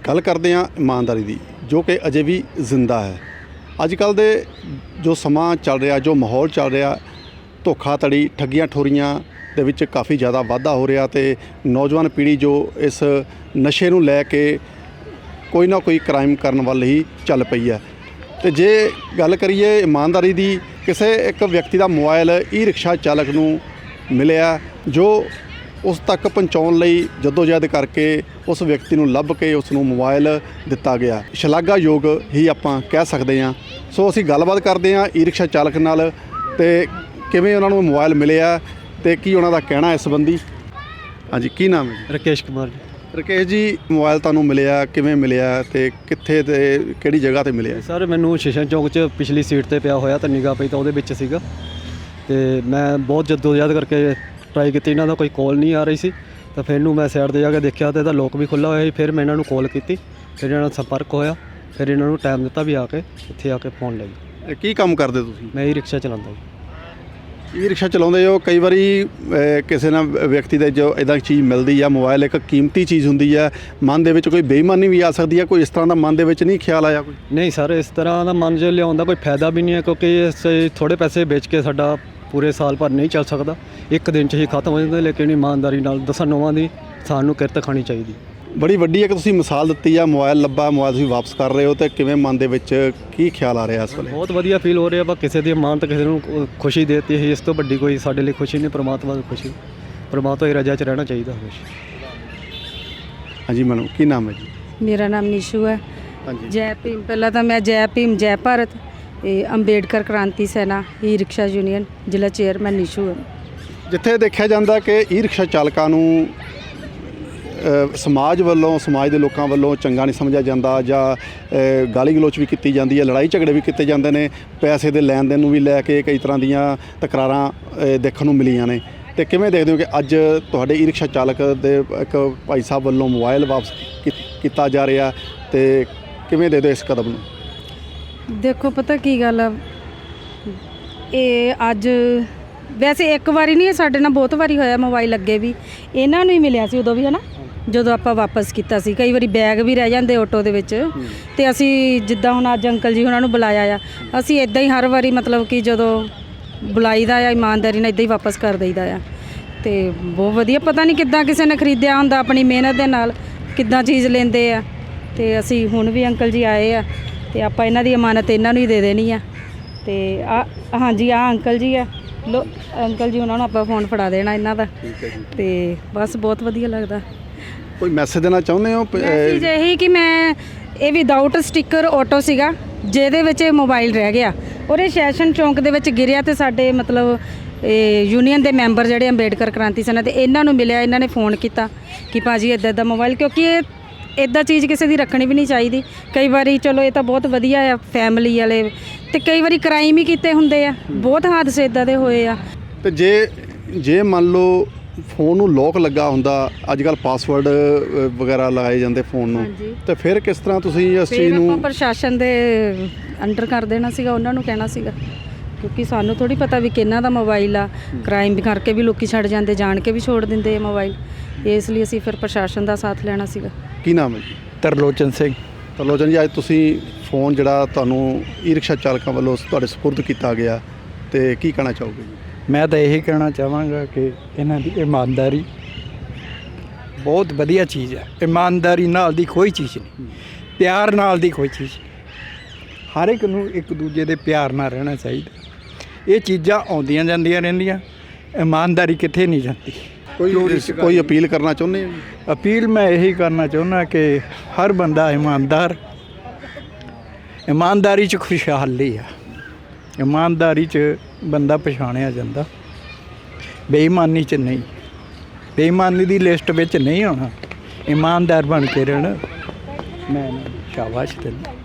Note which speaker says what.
Speaker 1: ਗੱਲ ਕਰਦੇ ਹਾਂ ਇਮਾਨਦਾਰੀ ਦੀ, ਜੋ ਕਿ ਅਜੇ ਵੀ ਜ਼ਿੰਦਾ ਹੈ। ਅੱਜ ਕੱਲ੍ਹ ਦੇ ਜੋ ਸਮਾਂ ਚੱਲ ਰਿਹਾ, ਜੋ ਮਾਹੌਲ ਚੱਲ ਰਿਹਾ, ਧੋਖਾਧੜੀ, ਠੱਗੀਆਂ ਠੋਰੀਆਂ ਦੇ ਵਿੱਚ ਕਾਫੀ ਜ਼ਿਆਦਾ ਵਾਧਾ ਹੋ ਰਿਹਾ ਅਤੇ ਨੌਜਵਾਨ ਪੀੜ੍ਹੀ ਜੋ ਇਸ ਨਸ਼ੇ ਨੂੰ ਲੈ ਕੇ ਕੋਈ ਨਾ ਕੋਈ ਕ੍ਰਾਈਮ ਕਰਨ ਵੱਲ ਹੀ ਚੱਲ ਪਈ ਹੈ। ਅਤੇ ਜੇ ਗੱਲ ਕਰੀਏ ਇਮਾਨਦਾਰੀ ਦੀ, ਕਿਸੇ ਇੱਕ ਵਿਅਕਤੀ ਦਾ ਮੋਬਾਈਲ ਈ ਰਿਕਸ਼ਾ ਚਾਲਕ ਨੂੰ ਮਿਲਿਆ, ਜੋ ਉਸ ਤੱਕ ਪਹੁੰਚਾਉਣ ਲਈ ਜੱਦੋਜਹਿਦ ਕਰਕੇ ਉਸ ਵਿਅਕਤੀ ਨੂੰ ਲੱਭ ਕੇ ਉਸ ਨੂੰ ਮੋਬਾਈਲ ਦਿੱਤਾ ਗਿਆ। ਸ਼ਲਾਘਾਯੋਗ ਹੀ ਆਪਾਂ ਕਹਿ ਸਕਦੇ ਹਾਂ। ਸੋ ਅਸੀਂ ਗੱਲਬਾਤ ਕਰਦੇ ਹਾਂ ਈ ਰਿਕਸ਼ਾ ਚਾਲਕ ਨਾਲ ਅਤੇ ਕਿਵੇਂ ਉਹਨਾਂ ਨੂੰ ਮੋਬਾਈਲ ਮਿਲਿਆ ਅਤੇ ਕੀ ਉਹਨਾਂ ਦਾ ਕਹਿਣਾ ਇਸ ਸੰਬੰਧੀ। ਹਾਂਜੀ, ਕੀ ਨਾਮ ਹੈ ਜੀ?
Speaker 2: ਰਾਕੇਸ਼ ਕੁਮਾਰ ਜੀ।
Speaker 1: ਰਾਕੇਸ਼ ਜੀ, ਮੋਬਾਈਲ ਤੁਹਾਨੂੰ ਮਿਲਿਆ, ਕਿਵੇਂ ਮਿਲਿਆ ਅਤੇ ਕਿੱਥੇ ਅਤੇ ਕਿਹੜੀ ਜਗ੍ਹਾ 'ਤੇ ਮਿਲਿਆ?
Speaker 2: ਸਰ, ਮੈਨੂੰ ਸ਼ੀਸ਼ਾ ਚੌਂਕ 'ਚ ਪਿਛਲੀ ਸੀਟ 'ਤੇ ਪਿਆ ਹੋਇਆ ਤਾਂ ਨਿਗਾਹ ਪਈ ਤਾਂ ਉਹਦੇ ਵਿੱਚ ਸੀਗਾ ਅਤੇ ਮੈਂ ਬਹੁਤ ਜੱਦੋਜਹਿਦ ਕਰਕੇ ਟਰਾਈ ਕੀਤੀ, ਇਹਨਾਂ ਦਾ ਕੋਈ ਕਾਲ ਨਹੀਂ ਆ ਰਹੀ ਸੀ। ਤਾਂ ਫਿਰ ਇਹਨੂੰ ਮੈਂ ਸਾਈਡ 'ਤੇ ਜਾ ਕੇ ਦੇਖਿਆ ਤਾਂ ਇਹਦਾ ਲੋਕ ਵੀ ਖੁੱਲ੍ਹਾ ਹੋਇਆ ਸੀ। ਫਿਰ ਮੈਂ ਇਹਨਾਂ ਨੂੰ ਕਾਲ ਕੀਤੀ, ਫਿਰ ਇਹਨਾਂ ਨਾਲ ਸੰਪਰਕ ਹੋਇਆ, ਫਿਰ ਇਹਨਾਂ ਨੂੰ ਟਾਈਮ ਦਿੱਤਾ ਵੀ ਆ ਕੇ ਇੱਥੇ ਆ ਕੇ ਫੋਨ ਲੈ ਜੀ।
Speaker 1: ਕੀ ਕੰਮ ਕਰਦੇ ਤੁਸੀਂ?
Speaker 2: ਮੈਂ ਈ ਰਿਕਸ਼ਾ ਚਲਾਉਂਦਾ ਜੀ।
Speaker 1: ਈ ਰਿਕਸ਼ਾ ਚਲਾਉਂਦੇ ਹੋ, ਕਈ ਵਾਰੀ ਕਿਸੇ ਨਾਲ ਵਿਅਕਤੀ ਦੇ ਜੋ ਇੱਦਾਂ ਚੀਜ਼ ਮਿਲਦੀ ਆ, ਮੋਬਾਈਲ ਇੱਕ ਕੀਮਤੀ ਚੀਜ਼ ਹੁੰਦੀ ਹੈ, ਮਨ ਦੇ ਵਿੱਚ ਕੋਈ ਬੇਈਮਾਨੀ ਵੀ ਆ ਸਕਦੀ ਹੈ, ਕੋਈ ਇਸ ਤਰ੍ਹਾਂ ਦਾ ਮਨ ਦੇ ਵਿੱਚ ਨਹੀਂ ਖਿਆਲ ਆਇਆ ਕੋਈ?
Speaker 2: ਨਹੀਂ ਸਰ, ਇਸ ਤਰ੍ਹਾਂ ਦਾ ਮਨ 'ਚ ਲਿਆਉਣ ਦਾ ਕੋਈ ਫਾਇਦਾ ਵੀ ਨਹੀਂ ਹੈ, ਕਿਉਂਕਿ ਇਸ ਥੋੜ੍ਹੇ ਪੈਸੇ ਵੇਚ ਕੇ ਸਾਡਾ ਪੂਰੇ ਸਾਲ ਭਰ ਨਹੀਂ ਚੱਲ ਸਕਦਾ, ਇੱਕ ਦਿਨ 'ਚ ਹੀ ਖਤਮ ਹੋ ਜਾਂਦਾ। ਲੇਕਿਨ ਇਮਾਨਦਾਰੀ ਨਾਲ 10 ਨੌਵਾਂ ਦੀ ਸਾਨੂੰ ਕਿਰਤ ਖਾਣੀ ਚਾਹੀਦੀ। ਬੜੀ
Speaker 1: ਵੱਡੀ ਇੱਕ ਤੁਸੀਂ ਮਿਸਾਲ ਦਿੱਤੀ ਆ, ਮੋਬਾਈਲ ਲੱਭਾ, ਮੋਬਾਈਲ ਤੁਸੀਂ ਵਾਪਸ ਕਰ ਰਹੇ ਹੋ, ਅਤੇ ਕਿਵੇਂ ਮਨ ਦੇ ਵਿੱਚ ਕੀ ਖਿਆਲ ਆ ਰਿਹਾ ਇਸ ਵੇਲੇ?
Speaker 2: ਬਹੁਤ ਵਧੀਆ ਫੀਲ ਹੋ ਰਿਹਾ ਵਾ। ਕਿਸੇ ਦੀ ਇਮਾਨਤ ਕਿਸੇ ਨੂੰ ਖੁਸ਼ੀ ਦੇਤੀ ਹੈ, ਇਸ ਤੋਂ ਵੱਡੀ ਕੋਈ ਸਾਡੇ ਲਈ ਖੁਸ਼ੀ ਨਹੀਂ। ਪ੍ਰਮਾਤਮਾ ਦੀ ਖੁਸ਼ੀ, ਪ੍ਰਮਾਤਮਾ ਦੀ ਰਜ਼ਾ 'ਚ ਰਹਿਣਾ ਚਾਹੀਦਾ ਹਮੇਸ਼ਾ।
Speaker 1: ਹਾਂਜੀ ਮੈਡਮ, ਕੀ ਨਾਮ ਹੈ ਜੀ?
Speaker 3: ਮੇਰਾ ਨਾਮ ਨੀਸ਼ੂ ਹੈ।
Speaker 1: ਹਾਂਜੀ,
Speaker 3: ਜੈ ਭੀਮ। ਪਹਿਲਾਂ ਤਾਂ ਮੈਂ ਜੈ ਭੀਮ ਜੈ Bharat Ambedkar Kranti Sena e rickshaw union ਜ਼ਿਲ੍ਹਾ ਚੇਅਰਮੈਨ ਨੀਸ਼ੂ ਹੈ।
Speaker 1: ਜਿੱਥੇ ਦੇਖਿਆ ਜਾਂਦਾ ਕਿ ਈ ਰਿਕਸ਼ਾ ਚਾਲਕਾਂ ਨੂੰ ਸਮਾਜ ਵੱਲੋਂ, ਸਮਾਜ ਦੇ ਲੋਕਾਂ ਵੱਲੋਂ ਚੰਗਾ ਨਹੀਂ ਸਮਝਿਆ ਜਾਂਦਾ, ਜਾਂ ਗਾਲੀ ਗਲੋਚ ਵੀ ਕੀਤੀ ਜਾਂਦੀ ਹੈ, ਲੜਾਈ ਝਗੜੇ ਵੀ ਕੀਤੇ ਜਾਂਦੇ ਨੇ, ਪੈਸੇ ਦੇ ਲੈਣ ਦੇਣ ਨੂੰ ਵੀ ਲੈ ਕੇ ਕਈ ਤਰ੍ਹਾਂ ਦੀਆਂ ਤਕਰਾਰਾਂ ਦੇਖਣ ਨੂੰ ਮਿਲੀਆਂ ਨੇ। ਅਤੇ ਕਿਵੇਂ ਦੇਖਦੇ ਹੋ ਕਿ ਅੱਜ ਤੁਹਾਡੇ ਈ ਰਿਕਸ਼ਾ ਚਾਲਕ ਦੇ ਇੱਕ ਭਾਈ ਸਾਹਿਬ ਵੱਲੋਂ ਮੋਬਾਈਲ ਵਾਪਸ ਕੀਤਾ ਜਾ ਰਿਹਾ, ਅਤੇ ਕਿਵੇਂ ਦੇਖਦੇ ਹੋ ਇਸ ਕਦਮ ਨੂੰ?
Speaker 3: ਦੇਖੋ, ਪਤਾ ਕੀ ਗੱਲ ਆ, ਇਹ ਅੱਜ ਵੈਸੇ ਇੱਕ ਵਾਰੀ ਨਹੀਂ, ਸਾਡੇ ਨਾਲ ਬਹੁਤ ਵਾਰੀ ਹੋਇਆ। ਮੋਬਾਈਲ ਅੱਗੇ ਵੀ ਇਹਨਾਂ ਨੂੰ ਹੀ ਮਿਲਿਆ ਸੀ, ਉਦੋਂ ਵੀ ਹੈ ਨਾ, ਜਦੋਂ ਆਪਾਂ ਵਾਪਸ ਕੀਤਾ ਸੀ। ਕਈ ਵਾਰੀ ਬੈਗ ਵੀ ਰਹਿ ਜਾਂਦੇ ਆਟੋ ਦੇ ਵਿੱਚ, ਅਤੇ ਅਸੀਂ ਜਿੱਦਾਂ ਹੁਣ ਅੱਜ ਅੰਕਲ ਜੀ ਉਹਨਾਂ ਨੂੰ ਬੁਲਾਇਆ ਆ, ਅਸੀਂ ਇੱਦਾਂ ਹੀ ਹਰ ਵਾਰੀ ਮਤਲਬ ਕਿ ਜਦੋਂ ਬੁਲਾਈਦਾ ਆ ਇਮਾਨਦਾਰੀ ਨਾਲ ਇੱਦਾਂ ਹੀ ਵਾਪਸ ਕਰ ਦਈਦਾ ਆ। ਅਤੇ ਬਹੁਤ ਵਧੀਆ, ਪਤਾ ਨਹੀਂ ਕਿੱਦਾਂ ਕਿਸੇ ਨੇ ਖਰੀਦਿਆ ਹੁੰਦਾ, ਆਪਣੀ ਮਿਹਨਤ ਦੇ ਨਾਲ ਕਿੱਦਾਂ ਚੀਜ਼ ਲੈਂਦੇ ਆ। ਅਤੇ ਅਸੀਂ ਹੁਣ ਵੀ ਅੰਕਲ ਜੀ ਆਏ ਆ, ਅਤੇ ਆਪਾਂ ਇਹਨਾਂ ਦੀ ਅਮਾਨਤ ਇਹਨਾਂ ਨੂੰ ਹੀ ਦੇ ਦੇਣੀ ਆ। ਅਤੇ ਹਾਂਜੀ, ਅੰਕਲ ਜੀ ਆ, ਲੋ ਅੰਕਲ ਜੀ, ਉਹਨਾਂ ਨੂੰ ਆਪਾਂ ਫੋਨ ਫੜਾ ਦੇਣਾ ਇਹਨਾਂ ਦਾ।
Speaker 1: ਠੀਕ ਹੈ ਜੀ।
Speaker 3: ਅਤੇ ਬਸ ਬਹੁਤ ਵਧੀਆ ਲੱਗਦਾ।
Speaker 1: ਕੋਈ ਮੈਸੇਜ ਦੇਣਾ ਚਾਹੁੰਦੇ ਹੋ?
Speaker 3: ਮੈਸੇਜ ਇਹੀ ਕਿ ਮੈਂ ਇਹ ਵਿਦਾਊਟ ਸਟicker ਆਟੋ ਸੀਗਾ, ਜਿਹਦੇ ਵਿੱਚ ਇਹ ਮੋਬਾਈਲ ਰਹਿ ਗਿਆ, ਔਰ ਇਹ ਸੈਸ਼ਨ ਚੌਂਕ ਦੇ ਵਿੱਚ ਗਿਰਿਆ, ਅਤੇ ਸਾਡੇ ਮਤਲਬ ਯੂਨੀਅਨ ਦੇ ਮੈਂਬਰ ਜਿਹੜੇ ਅੰਬੇਡਕਰ ਕ੍ਰਾਂਤੀ ਸੈਨਾ ਦੇ, ਇਹਨਾਂ ਨੂੰ ਮਿਲਿਆ, ਇਹਨਾਂ ਨੇ ਫੋਨ ਕੀਤਾ ਕਿ ਭਾਜੀ ਇੱਦਾਂ ਇੱਦਾਂ ਮੋਬਾਈਲ, ਕਿਉਂਕਿ ਇਹ ਇੱਦਾਂ ਚੀਜ਼ ਕਿਸੇ ਦੀ ਰੱਖਣੀ ਵੀ ਨਹੀਂ ਚਾਹੀਦੀ। ਕਈ ਵਾਰੀ ਚਲੋ ਇਹ ਤਾਂ ਬਹੁਤ ਵਧੀਆ ਆ ਫੈਮਿਲੀ ਵਾਲੇ, ਅਤੇ ਕਈ ਵਾਰੀ ਕ੍ਰਾਈਮ ਹੀ ਕੀਤੇ ਹੁੰਦੇ ਆ, ਬਹੁਤ ਹਾਦਸੇ ਇੱਦਾਂ ਦੇ ਹੋਏ ਆ।
Speaker 1: ਅਤੇ ਜੇ ਮੰਨ ਲਓ ਫੋਨ ਨੂੰ ਲੋਕ ਲੱਗਾ ਹੁੰਦਾ, ਅੱਜ ਕੱਲ੍ਹ ਪਾਸਵਰਡ ਵਗੈਰਾ ਲਗਾਏ ਜਾਂਦੇ ਫੋਨ ਨੂੰ, ਅਤੇ ਫਿਰ ਕਿਸ ਤਰ੍ਹਾਂ ਤੁਸੀਂ ਇਸ ਚੀਜ਼ ਨੂੰ?
Speaker 3: ਆਪਾਂ ਪ੍ਰਸ਼ਾਸਨ ਦੇ ਅੰਡਰ ਕਰ ਦੇਣਾ ਸੀਗਾ, ਉਹਨਾਂ ਨੂੰ ਕਹਿਣਾ ਸੀਗਾ, ਕਿਉਂਕਿ ਸਾਨੂੰ ਥੋੜ੍ਹੀ ਪਤਾ ਵੀ ਕਿਹਨਾਂ ਦਾ ਮੋਬਾਈਲ ਆ। ਕ੍ਰਾਈਮ ਕਰਕੇ ਵੀ ਲੋਕੀ ਛੱਡ ਜਾਂਦੇ, ਜਾਣ ਕੇ ਵੀ ਛੋੜ ਦਿੰਦੇ ਮੋਬਾਈਲ, ਇਸ ਲਈ ਅਸੀਂ ਫਿਰ ਪ੍ਰਸ਼ਾਸਨ ਦਾ ਸਾਥ ਲੈਣਾ ਸੀਗਾ।
Speaker 1: ਕੀ ਨਾਮ ਹੈ ਜੀ?
Speaker 4: ਤਰਲੋਚਨ ਸਿੰਘ।
Speaker 1: ਤਰਲੋਚਨ ਜੀ, ਅੱਜ ਤੁਸੀਂ ਫੋਨ ਜਿਹੜਾ ਤੁਹਾਨੂੰ ਈ ਰਿਕਸ਼ਾ ਚਾਲਕਾਂ ਵੱਲੋਂ ਤੁਹਾਡੇ ਸਪੁਰਦ ਕੀਤਾ ਗਿਆ, ਅਤੇ ਕੀ ਕਹਿਣਾ ਚਾਹੋਗੇ ਜੀ?
Speaker 4: ਮੈਂ ਤਾਂ ਇਹੀ ਕਹਿਣਾ ਚਾਹਾਂਗਾ ਕਿ ਇਹਨਾਂ ਦੀ ਇਮਾਨਦਾਰੀ ਬਹੁਤ ਵਧੀਆ ਚੀਜ਼ ਹੈ। ਇਮਾਨਦਾਰੀ ਨਾਲ ਦੀ ਕੋਈ ਚੀਜ਼ ਨਹੀਂ, ਪਿਆਰ ਨਾਲ ਦੀ ਕੋਈ ਚੀਜ਼ ਨਹੀਂ। ਹਰ ਇੱਕ ਨੂੰ ਇੱਕ ਦੂਜੇ ਦੇ ਪਿਆਰ ਨਾਲ ਰਹਿਣਾ ਚਾਹੀਦਾ। ਇਹ ਚੀਜ਼ਾਂ ਆਉਂਦੀਆਂ ਜਾਂਦੀਆਂ ਰਹਿੰਦੀਆਂ, ਇਮਾਨਦਾਰੀ ਕਿੱਥੇ ਨਹੀਂ ਜਾਂਦੀ।
Speaker 1: ਕੋਈ ਅਪੀਲ ਕਰਨਾ ਚਾਹੁੰਦੇ ਹੋ?
Speaker 4: ਅਪੀਲ ਮੈਂ ਇਹੀ ਕਰਨਾ ਚਾਹੁੰਦਾ ਕਿ ਹਰ ਬੰਦਾ ਇਮਾਨਦਾਰੀ 'ਚ ਖੁਸ਼ਹਾਲੀ ਆ। ਇਮਾਨਦਾਰੀ 'ਚ ਬੰਦਾ ਪਛਾਣਿਆ ਜਾਂਦਾ, ਬੇਈਮਾਨੀ 'ਚ ਨਹੀਂ। ਬੇਈਮਾਨੀ ਦੀ ਲਿਸਟ ਵਿੱਚ ਨਹੀਂ ਆਉਣਾ, ਇਮਾਨਦਾਰ ਬਣ ਕੇ ਰਹਿਣਾ। ਮੈਂ ਸ਼ਾਬਾਸ਼ ਦਿੰਦਾ।